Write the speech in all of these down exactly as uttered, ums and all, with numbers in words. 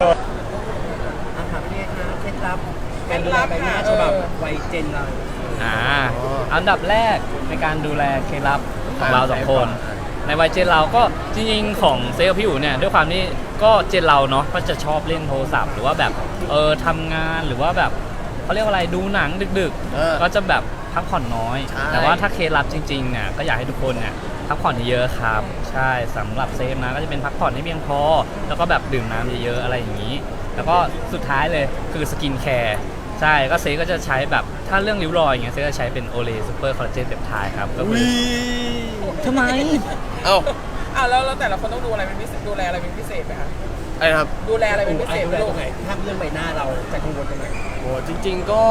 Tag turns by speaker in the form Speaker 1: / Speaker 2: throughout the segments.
Speaker 1: อาหารเป็นไงคะเคล็ดลับการดูแลใบหน้าฉบับวัยเจนเรา
Speaker 2: อ่าอันดับแรกในการดูแลเคล็ดลับของเราสองคน ในวัยเจนเราก็จริงๆของเซลล์พี่อู๋เนี่ยด้วยความที่ก็เจนเราเนาะก็จะชอบเล่นโทรศัพท์หรือว่าแบบเออทำงานหรือว่าแบบเขาเรียกว่าอะไรดูหนังดึกๆก็จะแบบพักผ่อนน้อยแต่ว่าถ้าเคล็ดลับจริงๆเนี่ยก็อยากให้ทุกคนเนี่ยพักผ่อนเยอะๆครับใช่สำหรับเซฟนะก็จะเป็นพักผ่อนให้เพียงพอแล้วก็แบบดื่มน้ำเยอะๆอะไรอย่างนี้แล้วก็สุดท้ายเลยคือสกินแคร์ใช่ก็เซฟก็จะใช้แบบถ้าเรื่องริ้วรอยอย่างเงี้ยเซฟจะใช้เป็นโอเลซูเปอร์คอลลาเจนเปปไทด์ครับก็คือทำไม
Speaker 3: เอ้า
Speaker 4: อ้าวแล้วแต่ละคนต้องดูอะไรเป็นพิเศษดูแลอะไรเป็นพิเศษไหมคะ
Speaker 3: อะไรครับ
Speaker 4: ดูแลอะไรเป็นพิเศษ
Speaker 1: ดูแลตรงไหนถ้าเรื่องใบหน้าเราจะกังวลตรงไหน
Speaker 3: โอ้จริงๆก็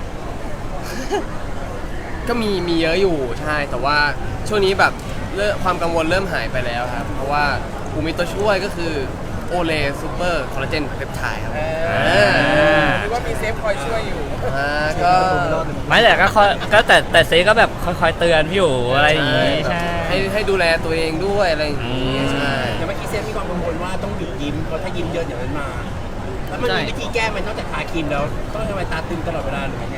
Speaker 3: ก็มีมีเยอะอยู่ใช่แต่ว่าช่วงนี้แบบเริ่มความกังวลเริ่มหายไปแล้วครับเพราะว่าอูมีตัวช่วยก็คือโอเลซูเปอร์คอลลาเจนเปปไทด์ครับ
Speaker 4: หรือว่ามีเซฟคอยช่วยอยู่
Speaker 3: อ่าก็
Speaker 2: ไม่แต่ก็ก็แต่แต่เซก็แบบคอยๆเตือนพี่อยู่อะไรอย่างงี้ใช่
Speaker 3: ให้ให้ดูแลตัวเองด้วยอะไรอย่างงี้ใช่
Speaker 1: อย่างเมื่อกี้เซฟมีความกังวลว่าต้องหยุดยิ้มเพราะถ้ายิ้มเยอะอย่างนั้นมาแล้วมันมีวิธีแก้มันนอกจากทาครีมแล้วต้องทำไมตาตึงตลอดเวลาหรือไง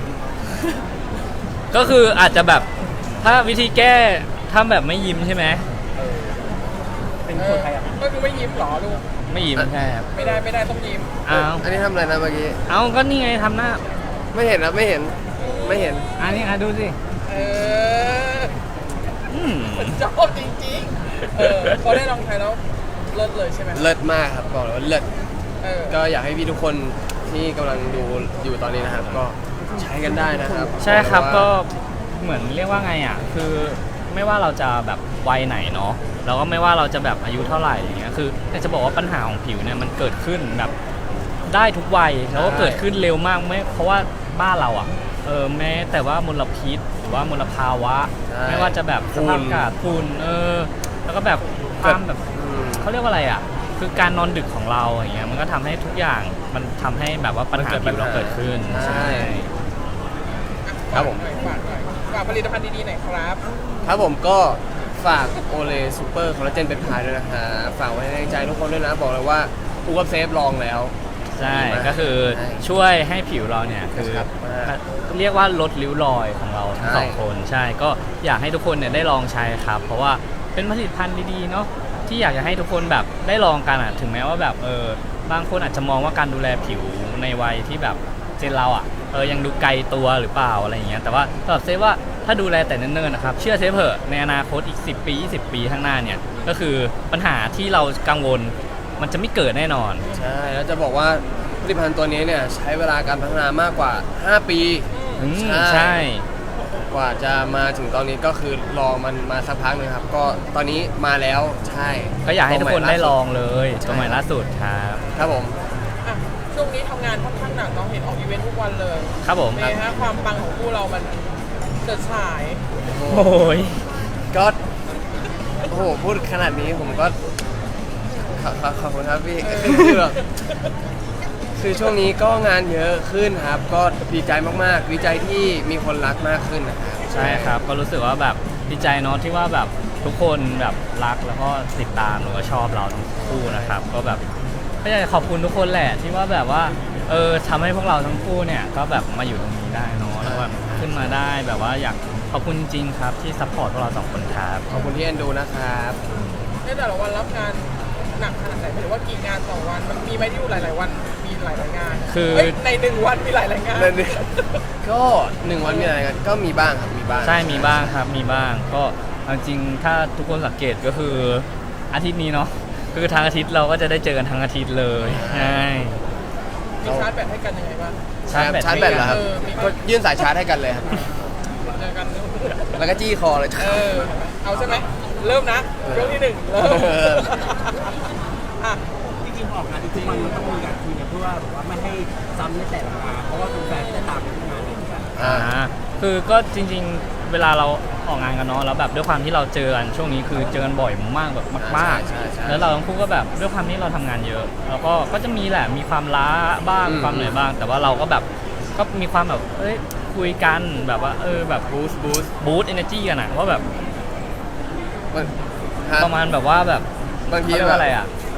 Speaker 2: ก็คืออาจจะแบบถ้าวิธีแก้ทำแบบไม่ยิ้มใช่ไหม
Speaker 1: เป็นคนไทยอ่ะ
Speaker 4: ก็คือไม่ยิ้มหรอลูก
Speaker 2: ไม่ยิ้มใช่ครับ
Speaker 4: ไม่ได้ไม่ได้ต้องยิ้ม
Speaker 2: อ้าว
Speaker 3: อันนี้ทำอะไรนะเมื่อกี้
Speaker 2: อ้าวก็นี่ไงทำหน้า
Speaker 3: ไม่เห็นนะไม่เห็นไม่เห็น
Speaker 2: อันนี้อ่ะดูสิ
Speaker 4: เออมันชอบจริงๆเออพอได้ลองใช้แล้วเลิศเลยใช่ไหม
Speaker 3: เลิศมากครับบอกเลยว่าเลิศ
Speaker 4: เออ
Speaker 3: ก็อยากให้พี่ทุกคนที่กำลังดูอยู่ตอนนี้นะครับก็ใช้กันได้นะครับ
Speaker 2: ใช่ครับก็เหมือนเรียกว่าไงอ่ะคือไม่ว่าเราจะแบบวัยไหนเนาะแล้วก็ไม่ว่าเราจะแบบอายุเท่าไหร่อย่างเงี้ยคือแต่จะบอกว่าปัญหาของผิวเนี่ยมันเกิดขึ้นแบบได้ทุกวัยแล้วก็เกิดขึ้นเร็วมากไม่เพราะว่าบ้านเราอ่ะเออแม้แต่ว่ามลพิษหรือว่ามลภาวะไม่ว่าจะแบบสภาพอากาศฝุ่นเออแล้วก็แบบความแบบเขาเรียกว่าอะไรอ่ะคือการนอนดึกของเราอย่างเงี้ยมันก็ทำให้ทุกอย่างมันทำให้แบบว่าปัญหาผิวเราเกิดขึ้นใช่
Speaker 3: ครับผม
Speaker 4: ฝากฝากผลิตภัณฑ์ดีๆหน่อยครับ
Speaker 3: ครับผมก็ฝากโอเลซูเปอร์คอลลาเจนเปปไทด์ด้วยนะฮะฝากไว้ในใจทุกคนด้วยนะบอกเลยว่าอูกับเซฟลองแล้ว
Speaker 2: ใช่ก็คือช่วยให้ผิวเราเนี่ยคือเรียกว่าลดริ้วรอยของเราทั้งสองคนใช่ก็อยากให้ทุกคนเนี่ยได้ลองใช้ครับเพราะว่าเป็นผลิตภัณฑ์ดีๆเนาะที่อยากจะให้ทุกคนแบบได้ลองกันอ่ะถึงแม้ว่าแบบเออบางคนอาจจะมองว่าการดูแลผิวในวัยที่แบบเจนเราอ่ะเออยังดูไกลตัวหรือเปล่าอะไรอย่างเงี้ยแต่ว่าสำหรับเซฟว่าถ้าดูแลแต่เนิ่นๆนะครับเชื่อเซฟเถอะในอนาคตอีกสิบปียี่สิบปีข้างหน้าเนี่ยก็คือปัญหาที่เรากังวลมันจะไม่เกิดแน่นอน
Speaker 3: ใช่แล้วจะบอกว่าผลิตภัณฑ์ตัวนี้เนี่ยใช้เวลาการพัฒนามากกว่าห้าปี
Speaker 2: ใช่
Speaker 3: กว่าจะมาถึงตอนนี้ก็คือรอมันมาสักพักนึงครับก็ตอนนี้มาแล้วใช่
Speaker 2: ก็อยากให้ทุกคนได้ลองเลยตัวใหม่ล่าสุดครับ
Speaker 3: ครับผม
Speaker 4: ช่วงนี้ทำงานค่อนข้างหนักน้องเห็นออกอีเวนต์ทุกวันเลย
Speaker 2: ครับผม
Speaker 4: เป็นไงฮะความปังของคู่เรามันเกิดฉาย
Speaker 2: โอ้ย
Speaker 3: ก็โอ้โหพูดขนาดนี้ผมก็ขอบคุณครับพี่คือแบบคือช่วงนี้ก็งานเยอะขึ้นครับก็ดีใจมากๆดีใจที่มีคนรักมากขึ้นนะครับ
Speaker 2: ใช่ครับก็รู้สึกว่าแบบดีใจเนาะที่ว่าแบบทุกคนแบบรักแล้วก็ติดตามหรือว่าชอบเราทั้งคู่นะครับก็แบบก็อยากจะขอบคุณทุกคนแหละที่ว่าแบบว่าเออทำให้พวกเราทั้งคู่เนี่ยก็แบบมาอยู่ตรงนี้ได้เนาะแล้วแบบขึ้นมาได้แบบว่าอยากขอบคุณจริงๆครับที่ซัพพอร์ตพวกเราสองคนครับ
Speaker 3: ขอบคุณที่เอ็นดูนะครับ
Speaker 4: ในแต่ละวันรับงานหนักขนาดไหนหรือว่ากี่งานต่อวันมันมีไหมที่อยู่หลายๆวันมีหลายๆงาน
Speaker 2: คือ
Speaker 4: ในหนึ่งวันมีหลายๆงาน
Speaker 3: ก็หนึ่งวันมีหลายงานก็มีบ้างครับมีบ้าง
Speaker 2: ใช่มีบ้างครับมีบ้างก็จริงถ้าทุกคนสังเกตก็คืออาทิตย์นี้เนาะคือทางอาทิตย์เราก็จะได้เจอกันทั้งอาทิตย์เลยใช่
Speaker 4: มีชาร์จแบตให้กันยังไงบ้าง
Speaker 3: ชาร์จแบตชาร์จแบตเหรอครับก็ยื่นสายชาร์จให้กันเลยครับ
Speaker 4: เจอกัน
Speaker 3: แล้วก็จี้คอเลย
Speaker 4: เออเอาใช่ไหมเริ่มนะช่วงที่หนึ่งเริ่ม
Speaker 1: อ่ะจริงๆออกงานทุกวันมันต้องมีการคุยกันเพื่อแบบว่าไม่ให้ซ้ำในแต่ละงานเพราะว่าแฟนๆจะตามไปทุกงานเหมือนกัน
Speaker 2: อ่าคือก็จริงๆเวลาเราออกงานกันเนาะแล้วแบบด้วยความที่เราเจอกันช่วงนี้คือเจอกันบ่อยมากแบบมากๆแล้วเราทั้งคู่ก็แบบด้วยความที่เราทำงานเยอะแล้วก็ก็จะมีแหละมีความล้าบ้างความเหนื่อยบ้างแต่ว่าเราก็แบบก็มีความแบบเอ้ยคุยกันแบบว่าเออแบบบูสต์บูสต์บูสต์เอเนอร์จีกันอะว่าแบบประมาณแบบว่าแบบ
Speaker 3: บางที
Speaker 2: แบบอะไรอะ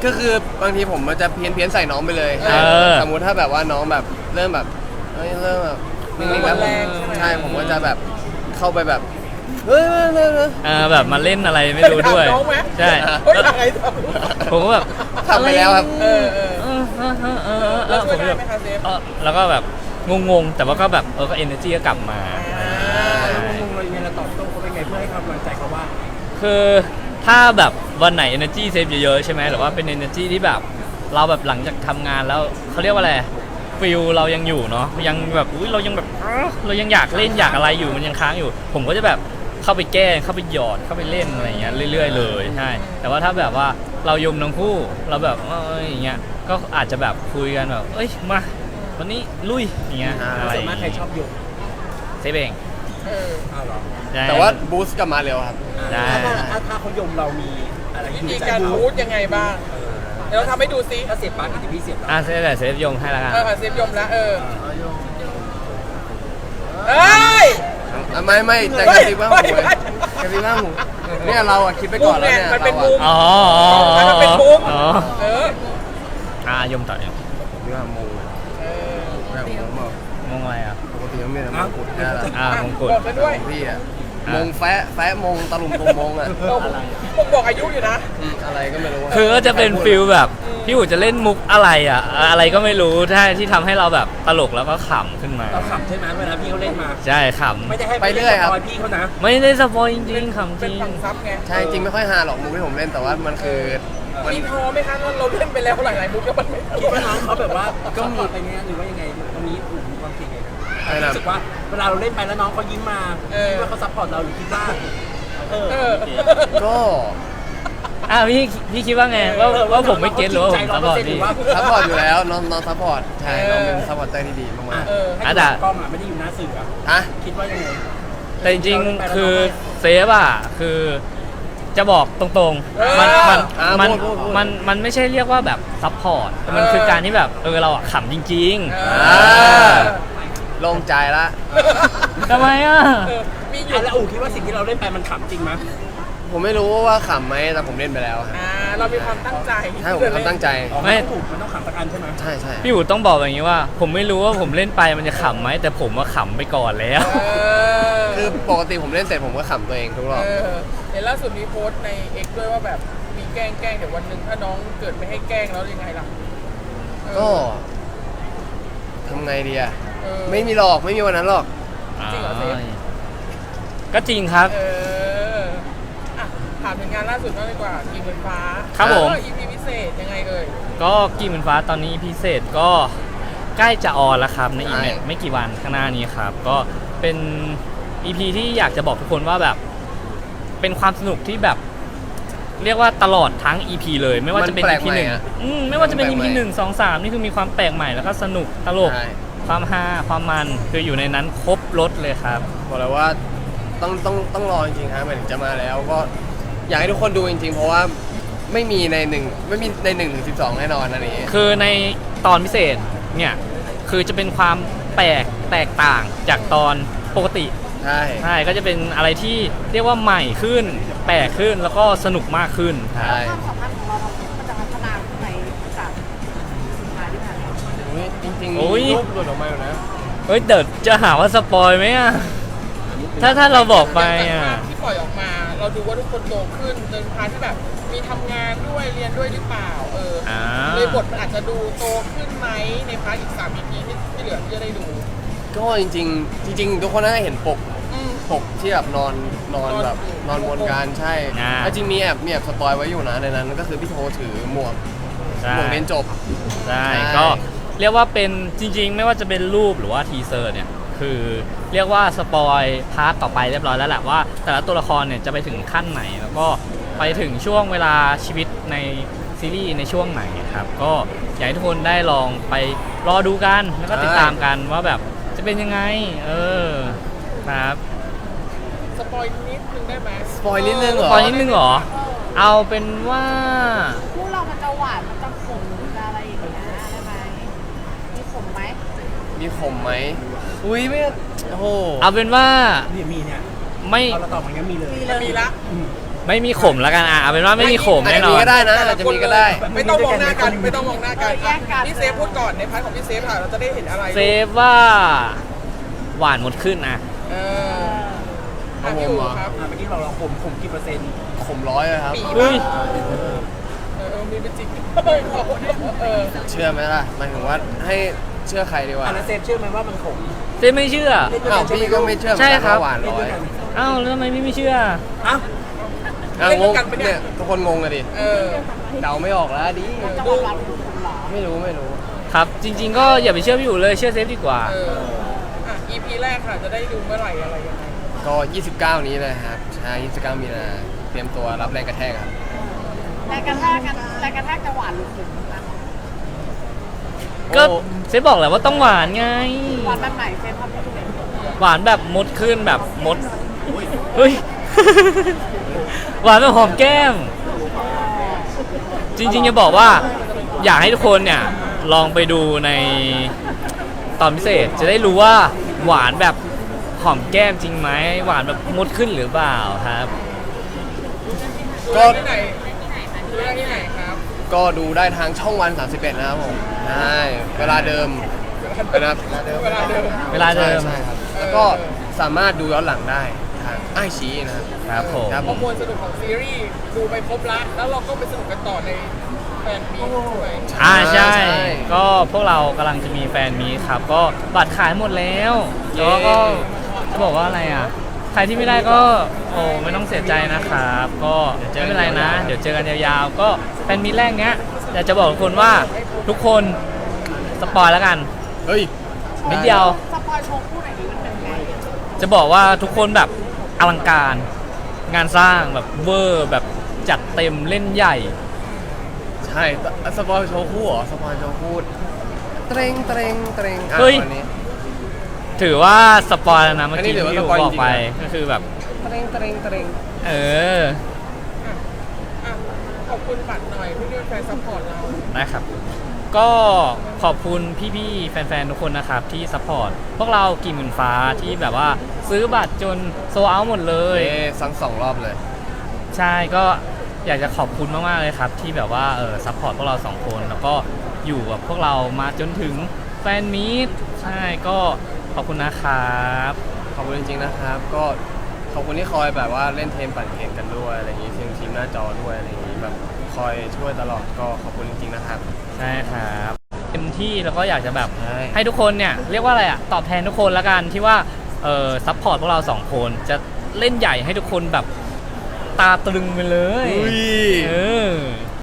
Speaker 3: ก็คือบางทีผมมันจะเพี้ยนเพี้ยนใส่น้องไปเลย
Speaker 2: เออ
Speaker 3: สมมุติถ้าแบบว่าน้องแบบเริ่มแบบเฮ้ยเริ่มแบบนิ่งๆแล้วผมใช่ผมก็จะแบบเข้าไปแบบเฮ้ยเฮ้ยเฮ้ยเฮ้ย
Speaker 2: เออแบบมาเล่นอะไรไม่รู้ด้วย
Speaker 4: เคถาน้องไหม
Speaker 2: ใช่
Speaker 4: เฮ้ยอะไรท
Speaker 2: ผมก็แบบ
Speaker 3: ทำไปแล้วครับ
Speaker 4: ำเออเออ
Speaker 2: เออเออเออเออเออ
Speaker 4: แล้ว
Speaker 2: ผ
Speaker 4: ช่วย
Speaker 2: ม
Speaker 4: ได้
Speaker 2: แบบ
Speaker 4: ไหมคะเซฟ
Speaker 2: เออแล้วก็แบบงงๆ แต่ว่าก็แบบเออก็ energy ก็กลับมา
Speaker 1: แล้วงงๆเรายังไงเราตอบโต้เขาเป็นไงเพื่อให้กำลังใจเขาว่า
Speaker 2: คือถ้าแบบวันไหน energy เซฟเยอะๆใช่ไหมหรือว่าเป็น energy ที่แบบเราแบบหลังจากทำงานแล้วเขาเรียกว่าอะไรฟิลเรายังอยู่เนาะยังแบบอุ้ยเรายังแบบเอ้อเรายังอยากเล่นอยากอะไรอยู่มันยังค้างอยู่ ผมก็จะแบบเข้าไปแก้เข้าไปหยอดเข้าไปเล่นอะไรอย่างเงี้ยเรื่อยๆเลยใช่แต่ว่าถ้าแบบว่าเรายมทั้งคู่เราแบบเอ้ยอย่างเงี้ยก็อาจจะแบบคุยกันแบบเอ้ยมาวันนี้ลุยอย่างเงี้ยอะไร
Speaker 1: ส่วนมากใครชอบโยง
Speaker 2: เซฟเอง
Speaker 4: เออ
Speaker 1: อ้าวเหรอ
Speaker 2: ใช่
Speaker 3: แต่ว่าบูสต์กลับมาเร็วครับ
Speaker 2: ได้
Speaker 1: ถ้าถ้าถ้าเขายมเรามีอะไร
Speaker 4: วิ
Speaker 1: อยู่
Speaker 4: ธี
Speaker 1: ในใจ
Speaker 4: การ
Speaker 1: บู
Speaker 4: พูดยังไงบ้าง เดี๋ยวเราทำให้ดูซิ
Speaker 1: ถ้าเสียบปลั๊กอีกเดี๋ยวพี่เสียบเรา
Speaker 2: อ่ะเซฟแต่เซฟยงให้ละกัน
Speaker 4: เออเซฟยมแล้วเออเอ้ย
Speaker 3: อ่ะไม่ไม่แต่กระซิบว่าหูไงกระซิบว่าหูเนี่ยเราอะคิดไปก่อนแล้วเนี่ย
Speaker 4: มันเป็น
Speaker 3: เรา
Speaker 4: มุ
Speaker 3: อะ
Speaker 4: ม
Speaker 2: อ๋อ
Speaker 4: มันเป็นมุม
Speaker 2: อ๋อ
Speaker 4: เออ
Speaker 2: อ่ะยมต่อยม
Speaker 3: เรื่องมง
Speaker 4: เออ
Speaker 3: แบบมงบอก
Speaker 2: งงอะไรอ่ะ
Speaker 3: ปกติต้องมีแต่มงกุฎแค่ละ
Speaker 2: อ่ามงกุฎ
Speaker 4: บอกกันด้วย
Speaker 3: ของพี่อะ
Speaker 2: อ่ะ
Speaker 3: มงแฟะแฟะมงตะลุมตุมมงอะ
Speaker 4: เราผมบอกอายุอยู่นะ
Speaker 3: อืมอะไรก็ไม่รู้ะ
Speaker 2: คือก็จะเป็นฟิลแบบพี่อู๋จะเล่นมุกอะไรอ่ะ อะไรก็ไม่รู้ใช่ที่ทำให้เราแบบตลกแล้วก็ขำขึ้นมา
Speaker 1: เราขำใช่ไหมเวลาพี่เขาเล่นมา
Speaker 2: ใช่ข
Speaker 1: ไม่ได้ให้
Speaker 3: ไปเรื่อยครับ
Speaker 1: ม่ด้สปพี่เขานะ
Speaker 2: ำไม่ได้สปอยจริงๆขำจ
Speaker 4: เป็น
Speaker 2: ริง
Speaker 4: ฝั่งซับไง
Speaker 3: ใช่จริงไม่ค่อยฮาหรอกมุกที่ผมเล่นแต่ว่ามันคือมัน
Speaker 4: มีพอไหมคะเราเล่นไปแล้วหลายๆมุกแล้วมันไม่
Speaker 1: คิดว่าน้องเขาแบบว่าก็มีไปเนี้ยหรือว่ายังไงตรงนี้อู๋มีความคิดไง
Speaker 3: ใช่นะ
Speaker 1: รู้สึกว่าเวลาเราเล่นไปแล้วน้องเขายิ้มมาคิดว่าเขาซัพพอร์ตเราหรือคิดว่าเออ
Speaker 4: เออ
Speaker 3: ก็
Speaker 2: อ่ะพี่พี่คิดว่าไงว่าว่าผมไม่เก็ตหรือว่าผม
Speaker 1: ใจ
Speaker 2: สปอย
Speaker 1: หรื
Speaker 2: พี่
Speaker 1: ว่า
Speaker 3: ซัพพอร์ตอยู่แล้วน้องน้องซัพพอร์ตใช่น้องเป็นซัพพอร์ตเตอร์ที่ดีมาก
Speaker 1: เออให้ดูกล้องอ่ะไม่ได้อยู่หน้าสื่ออ่ะ
Speaker 3: ๆฮะ
Speaker 1: คิดว่ายังไง
Speaker 2: แต่จริงๆคือเซฟอ่ะคือจะบอกตรงๆ มันมัน
Speaker 3: อ่า
Speaker 2: มัน
Speaker 3: พูดพูดพูด
Speaker 2: มันมันไม่ใช่เรียกว่าแบบซัพพอร์ตมันคือการที่แบบเออเราอะขำจริง
Speaker 4: เอ
Speaker 3: อ่า
Speaker 4: อ
Speaker 3: โล่งใจละ
Speaker 2: ๆทำไมอ่ะ
Speaker 4: เออมีอยู่
Speaker 1: อ่ะแล้วอู๋คิดว่าสิ่งที่เราเล่นไปมันขำจริงไหม
Speaker 3: ผมไม่รู้ว่าขำไหมแต่ผมเล่นไปแล้วฮะ
Speaker 4: อ่าเรามีความตั้งใจ
Speaker 3: ใช่ผมทำตั้งใจ
Speaker 1: อ๋อ
Speaker 2: ไม่
Speaker 1: นต้องถูกมันต้องขำสักอันใช่ไหม
Speaker 3: ใช่ใช่
Speaker 2: พี่อู๋ต้องบอกอย่างนี้ว่า ผมไม่รู้ว่าผมเล่นไปมันจะขำไหมแต่ผมว่าขำไปก่อนแล้ว
Speaker 4: เออ
Speaker 3: คือปกติผมเล่นเสร็จผมก็ขำตัวเองทุกรอบ
Speaker 4: เออเห็นล่าสุดมีโพสต์ใน X ด้วยว่าแบบมีแกล้งแกล้งเดี๋ยววันหนึ่งถ้าน้องเกิดไม่ให้แกล้งแล้วยังไงล่ะเออ
Speaker 3: ก็ทำไงดีอะ
Speaker 4: เออ
Speaker 3: ไม่มีหรอกไม่มีวันนั้นหรอก
Speaker 4: จริงเหรอเซฟ
Speaker 2: ก็จริงครับ
Speaker 4: เอออ่ะถามถึงงานล่าสุดบ้างดีกว่ากีมเงินฟ้า
Speaker 2: ครับผม
Speaker 4: เออ อี พี พิเศษยังไงเอ่ย
Speaker 2: ก็กีเหมือนฟ้าตอนนี้พิเศษก็ใกล้จะออนแล้วครับในอีก
Speaker 3: ใช่
Speaker 2: ไม่ไม่กี่วันข้างหน้านี้ครับ ก็เป็น อี พี ที่อยากจะบอกทุกคนว่าแบบ เป็นความสนุกที่แบบ เรียกว่าตลอดทั้ง อี พี เลย ไม่ว่าจะเป็น
Speaker 3: มันแปล
Speaker 2: อี
Speaker 3: ก
Speaker 2: พี
Speaker 3: ใหม่
Speaker 2: หนึ่ง
Speaker 3: อะ
Speaker 2: อืมไม่ว่าจะเป็น
Speaker 3: มัน
Speaker 2: อี
Speaker 3: แปลก
Speaker 2: พี
Speaker 3: ใหม่
Speaker 2: หนึ่งสองสามนี่คือมีความแปลกใหม่แล้วก็สนุกตลก
Speaker 3: ใช่
Speaker 2: ความฮาความมันคืออยู่ในนั้นครบรถเลยครับ
Speaker 3: บอกเลยว่าต้องต้องต้องรอจริงๆฮะหมายถึงจะมาแล้วก็อยากให้ทุกคนดูจริงๆ เพราะว่าไม่มีในหนึ่งไม่มีในหนึ่งถึงสิบสองแน่นอนอันนี้
Speaker 2: คือในตอนพิเศษเนี่ยคือจะเป็นความแปลกแตกต่างจากตอนปกติ
Speaker 3: ใช่
Speaker 2: ใช่ก็จะเป็นอะไรที่เรียกว่าใหม่ขึ้น แปลกขึ้นแล้วก็สนุกมากขึ้นครับ
Speaker 3: ใช่
Speaker 5: ความสัมพันธ์ของเรามันจะพัฒนาขึ้นไหมจากสุดท้ายที่ผ่านมา
Speaker 3: อุ๊ยจริงๆ
Speaker 2: โอ้ย
Speaker 3: มีรูปหลุดออกมาอยู่นะ
Speaker 2: เฮ้ยเดี๋ยวจะหาว่าสปอยไหมอ่ะ ถ้าถ้าเราบอกไปอ่ะ
Speaker 4: ย่างจากภาพที่ปล่อยออกมา เราดูว่าทุกคนโตขึ้นในพาร์ทที่แบบมีทำงานด้วยเรียนด้วยหรือเปล่า เออ
Speaker 2: อ่า
Speaker 4: เลยบทมันอาจจะดูโตขึ้นไหมในพาร์ทอีกสาม อี พี ที่ที่เหลือที่จะได้ดู
Speaker 3: ก็จริงๆ จริง ๆ ทุกคนน่าจะเห็นปก
Speaker 4: อืม
Speaker 3: ปกที่แบบนอนนอนแบบนอนบนกันใช่
Speaker 2: อ่า
Speaker 3: แล้วจริงมีแอบมีแอบสปอยไว้อยู่นะในนั้นก็คือพี่โทถือหมวก
Speaker 2: ใช่
Speaker 3: หมวกเรียนจบ
Speaker 2: ใช่
Speaker 3: ใช่
Speaker 2: ก็เรียกว่าเป็นจริง ๆ ไม่ว่าจะเป็นรูปหรือว่าทีเซอร์เนี่ยคือเรียกว่าสปอยพาร์ทต่อไปเรียบร้อยแล้วแหละว่า แต่ละตัวละครเนี่ยจะไปถึงขั้นไหน แล้วก็ไปถึงช่วงเวลาชีวิตในซีรีส์ในช่วงไหนครับก็อยากให้ทุกคนได้ลองไปรอดูกันแล้วก็ติดตามกันว่าแบบจะเป็นยังไง เออครับ
Speaker 4: สปอยนิดนึงได้ไหม
Speaker 3: สปอยนิดนึงเหร
Speaker 2: ตอนนิดนึงเหรอ เอาเป็นว่า
Speaker 5: พวกเรามันจะหวานมันจะขมหรือจะอะไรอย่างเงี้ยได้ไหมมีขมไหม
Speaker 3: มีขมไหมอุ้ยไม่โอ้โห
Speaker 2: เอาเป็นว่า
Speaker 1: เนี่ยมีเนี่ย
Speaker 2: ไม่
Speaker 1: เราตอบมันก็มีเลย
Speaker 5: มีเลย
Speaker 4: มีละ
Speaker 1: อืม
Speaker 2: ไม่มีขมแล้วกันอ่ะเอาเป็นว่าไม่มีขม
Speaker 3: อาจ
Speaker 2: แน่
Speaker 3: จะ
Speaker 2: น
Speaker 3: มี
Speaker 2: อน
Speaker 3: ก็ได้นะอาจจะมีก็ได้
Speaker 4: ไม่ต้องมองหน้ากันไม่ต้องมองหน้ากันพี่เซฟพูดก่อนในพาร์ทของพี่เซฟค่ะเราจะได้เห็นอะไร
Speaker 2: เซฟว่าหวานหมดขึ้นอ่ะ
Speaker 4: เอออ่ะพี่อู๋ครับ
Speaker 1: อ่ะเมื่อกี้เราเราผมผมกี่เปอร์เซ็นต์
Speaker 3: ขมร้อยเลยครับ
Speaker 4: ปี
Speaker 2: เฮ้ย
Speaker 4: เออเออมีเป็นจริงเออเออ
Speaker 3: เชื่อไหมล่ะหมายถึงว่าให้เชื่อใครดีวะ
Speaker 1: อันนั้นเซฟเชื่อไหมว่ามันขม
Speaker 2: เซฟไม่เชื่อ
Speaker 3: อ้าวพี่ก็ไม่เชื่อเหมือน
Speaker 2: ใช่
Speaker 3: กัน
Speaker 2: ครับ
Speaker 3: ว่าหวาน
Speaker 1: เล่น
Speaker 3: ร้อ
Speaker 1: ด้วย
Speaker 3: ย
Speaker 1: กัน
Speaker 2: อ้าวแล้วทำไมพี่ไม่เชื่อ
Speaker 1: อ้าว
Speaker 3: อ้าวงงเนี่ยทุกคนงงเลยดิ
Speaker 4: เออ
Speaker 3: เดาไม่ออกแล้วดิ
Speaker 5: จะหวานหวานขุ่นๆหรอ
Speaker 3: ไม่รู้ไม่รู้
Speaker 2: ครับ จริง ๆ ก็อย่าไปเชื่อพี่อยู่เลยเชื่อเซฟดีกว่า
Speaker 4: เอออ่ะ อี พี แรกค่ะจะได้ดูเมื่อไหร่อะไรยังไง
Speaker 3: ก็ ยี่สิบเก้า นี้เลยครับใช่ยี่สิบเก้า มีนาเตรียมตัวรับแรงกระแทกครับ
Speaker 5: แรงกระแทกกันแรงกระแทกจะหวานหรือขุ่นนะ
Speaker 2: ก็
Speaker 3: โอ้
Speaker 2: เซฟบอกแหละว่าต้องหวานไง
Speaker 5: หวานแบบไหนเฟนทำให้ดูหน่อย
Speaker 2: หวานแบบมดขึ้นแบบมด เฮ้ย หวานแบบหอมแก้ม จริงๆจะบอกว่า อยากให้ทุกคนเนี่ย ลองไปดูในตอนพิเศษ จะได้รู้ว่าหวานแบบหอมแก้มจริงไหมหวานแบบมดขึ้นหรือเปล่าครับ
Speaker 4: ดูได้ที่ไหนดูได้ที่ไหนครับ
Speaker 3: ก็ดูได้ทางช่องวันสามสิบเอ็ดนะครับผมใช่เวลาเดิมนะครับ
Speaker 4: เวลาเดิม
Speaker 2: เวลาเดิม
Speaker 3: ใช่ครับแล้วก็สามารถดูย้อนหลังได้ทางไอชีนะครับ
Speaker 2: ครับผม
Speaker 3: ครับ
Speaker 4: ข้อมูลสนุกของซีรีส์ดูไปครบละแล้วเราก็ไปสนุกกันต่อในแฟนมีด้วย
Speaker 2: อ่าใช่
Speaker 3: ใช่
Speaker 2: ก็พวกเรากำลังจะมีแฟนมีตครับ ก็บัตรขายหมดแล้วแล้วก็จะบอกว่าอะไรอ่ะ ใครที่ไม่ได้ก็โอ้ไม่ต้องเสียใจนะครับ ก็ไม่เป็นไรนะ เดี๋ยวเจอกันยาวๆ ก็แฟนมีตแรกเนี้ยอยากจะบอกทุกคนว่าทุกคนสปอยแล้วกัน
Speaker 3: เฮ้ย
Speaker 2: นิดเดียว
Speaker 5: สปอยโชว์คู่ไหนดีมันเป็นไง
Speaker 2: จะบอกว่าทุกคนแบบอลังการ งานสร้างแบบเวอร์แบบจัดเต็มเล่นใหญ่
Speaker 3: ใช่สปอยโชว์คู่เหรอสปอยโชว์คู่เตรงเตรงเตรงอ่ะ
Speaker 2: เฮ้ย
Speaker 3: วันนี้
Speaker 2: ถือว่าสปอยแล้วนะเมื่อ
Speaker 3: อันนี้
Speaker 2: กี้
Speaker 3: ถือว่า
Speaker 2: ที่
Speaker 3: ส
Speaker 2: ผม
Speaker 3: ปอย
Speaker 2: บอกไป
Speaker 3: จริงๆนะ
Speaker 2: ก็คือแบบ
Speaker 3: เตรงเตรงเตรง
Speaker 2: เออ
Speaker 4: อ่ะขอบคุณบัตรหน่อยที่เป็นแฟนซัพพอร์ตเรา
Speaker 2: นะครับ ก็ขอบคุณพี่ๆ แฟนๆ ทุกคนนะครับ ที่ซัพพอร์ตพวกเรากี่หมื่นฟ้าที่แบบว่าซื้อบัตรจนโซเอาหมดเลย
Speaker 3: เอ้สั่งสองรอบเลย
Speaker 2: ใช่ก็อยากจะขอบคุณมากๆเลยครับ ที่แบบว่าเออซัพพอร์ตพวกเราสองคนแล้วก็อยู่กับพวกเรามาจนถึงแฟนมีตใช่ก็ขอบคุณนะครับ
Speaker 3: ขอบคุณจริงๆนะครับ ก็ขอบคุณที่คอยแบบว่าเล่นเทมปั่นเกมกันด้วยอะไรอย่างนี้ทีมทีมหน้าจอด้วยอะไรอย่างนี้แบบคอยช่วยตลอดก็ขอบคุณจริงๆนะครับ
Speaker 2: ใช่ครับเต็มที่แล้วก็อยากจะแบบ
Speaker 3: ใช่
Speaker 2: ให้ทุกคนเนี่ยเรียกว่าอะไรอะตอบแทนทุกคนละกันที่ว่าเออซัพพอร์ตพวกเราสองคนจะเล่นใหญ่ให้ทุกคนแบบตาตรึงไปเลย
Speaker 3: อุ้ย
Speaker 2: เออ